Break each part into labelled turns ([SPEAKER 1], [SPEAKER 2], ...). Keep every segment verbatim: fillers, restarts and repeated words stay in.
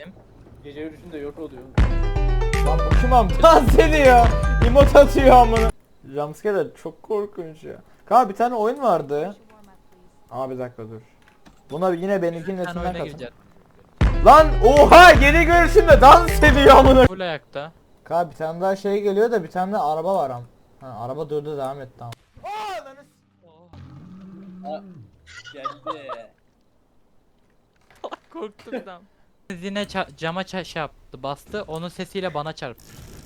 [SPEAKER 1] Kim?
[SPEAKER 2] Gece yürüyüşünde yok oluyor.
[SPEAKER 3] Lan bu kim am? Dans ediyor. Emot atıyor amına. Jumpscare de çok korkunç ya. Kanka bir tane oyun vardı. Aa bir dakika dur. Buna yine benimkinin
[SPEAKER 1] Bir tane
[SPEAKER 3] netinden
[SPEAKER 1] oyuna
[SPEAKER 3] katın.
[SPEAKER 1] gireceğiz.
[SPEAKER 3] Lan oha geri görüşünde dans ediyor amına.
[SPEAKER 1] Full ayakta.
[SPEAKER 3] Kanka bir tane daha şey geliyor da bir tane de araba var am. Ha araba durdu devam et tamam.
[SPEAKER 2] Ha, geldi.
[SPEAKER 1] Korktum adam. Yine ça- cama ça- şey yaptı, bastı. Onun sesiyle bana çarptı.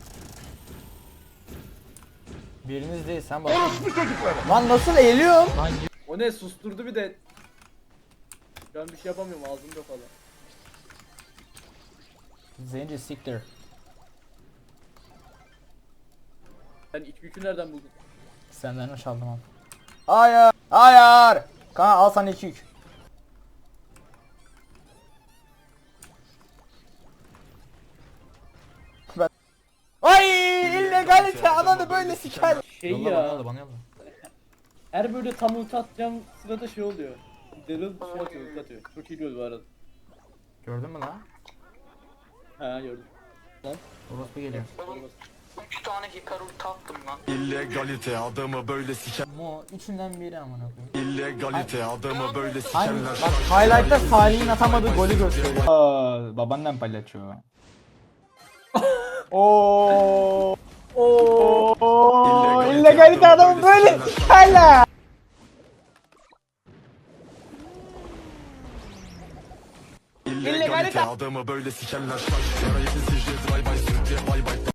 [SPEAKER 3] Biriniz değil sen bak. Lan nasıl eğiliyorsun?
[SPEAKER 1] Lan
[SPEAKER 2] O ne susturdu bir de. Ben bir şey yapamıyorum ağzımda falan.
[SPEAKER 3] Zenci siktir.
[SPEAKER 2] Sen iç gücü nereden buldun?
[SPEAKER 3] Senden çaldım am. Hayır. Hayır. Kanka al sana iki yük. Ben... Ay illegalite ananı böyle siker.
[SPEAKER 2] Şey
[SPEAKER 3] Yolla
[SPEAKER 2] ya.
[SPEAKER 3] bana yolla bana yolla.
[SPEAKER 2] Her böyle tam ulti atacağım sırada şey oluyor. Daryl şey atıyor, ulti atıyor. Çok iyi gördü bu arada.
[SPEAKER 3] Gördün mü lan?
[SPEAKER 2] Ha gördüm. Lan.
[SPEAKER 3] Orospu geliyor.
[SPEAKER 1] üç tane Hikaru taktım lan.
[SPEAKER 4] İllegalite adamı böyle siker.
[SPEAKER 3] Mo içinden biri amına koyayım.
[SPEAKER 4] İllegalite adamı böyle
[SPEAKER 3] Hangi?
[SPEAKER 4] sikerler.
[SPEAKER 3] Bak highlight'ta Salih'in atamadığı golü gösteriyor. Aa, babaannem palyaço. Oo. Oo. İllegalite adamı böyle sikerler.
[SPEAKER 4] İllegalite adamı böyle sikerler. Şarj yarayı sicil bay bay sürekli bay bay.